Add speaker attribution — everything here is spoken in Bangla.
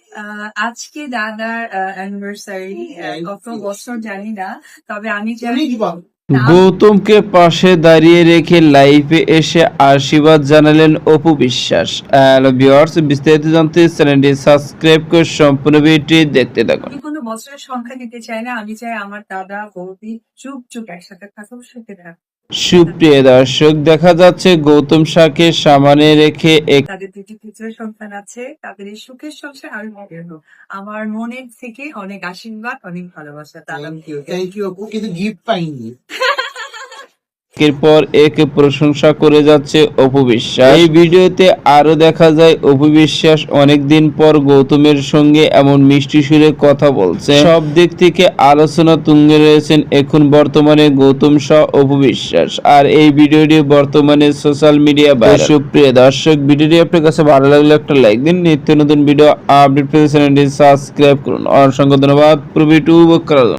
Speaker 1: আজকে দাদার অ্যানিভার্সারি, কত বছর জানি না, তবে আমি জানি
Speaker 2: গৌতমকে পাশে দাঁড়িয়ে রেখে লাইভে এসে আশীর্বাদ জানালেন অপু বিশ্বাস। হ্যালো ভিউয়ার্স, বিস্তারিত জানতে চ্যানেলটি সাবস্ক্রাইব করে সম্পূর্ণ ভিডিওটি দেখতে থাকুন।
Speaker 1: আমি কোনো বছরের সংখ্যা দিতে চাই না, আমি চাই আমার দাদা বৌদি চুপ চুপ একসাথে থাকুক, সুখে থাকুক।
Speaker 2: সুপ্রিয় দর্শক, দেখা যাচ্ছে গৌতম শাহকে সামনে রেখে
Speaker 1: তাদের দুটি পুত্রের সন্তান আছে, তাদের এই সুখের সংসার আমি মনের হোক। আমার মনের থেকে অনেক আশীর্বাদ, অনেক ভালোবাসা দাদা।
Speaker 3: থ্যাংক ইউ আপু, কিন্তু গিফট পাইনি।
Speaker 2: একের পর এক প্রশংসা করে যাচ্ছে অপু বিশ্বাস। এই ভিডিওতে আরো দেখা যায় অপু বিশ্বাস অনেকদিন পর গৌতমের সঙ্গে এমন মিষ্টি সুরে কথা বলছে। সব দিক থেকে আলোচনা তুঙ্গে রয়েছেন এখন বর্তমানে গৌতম শাহ, অপু বিশ্বাস। আর এই ভিডিওটি বর্তমানে সোশ্যাল মিডিয়া ভাইরাল। সুপ্রিয় দর্শক, ভিডিওটি আপনার কাছে ভালো লাগলে একটা লাইক দিন। নিত্য নতুন ভিডিও আপডেট পেতে চ্যানেলটি সাবস্ক্রাইব করুন। অসংখ্য ধন্যবাদ পুরো ভিডিও উপভোগ করার জন্য।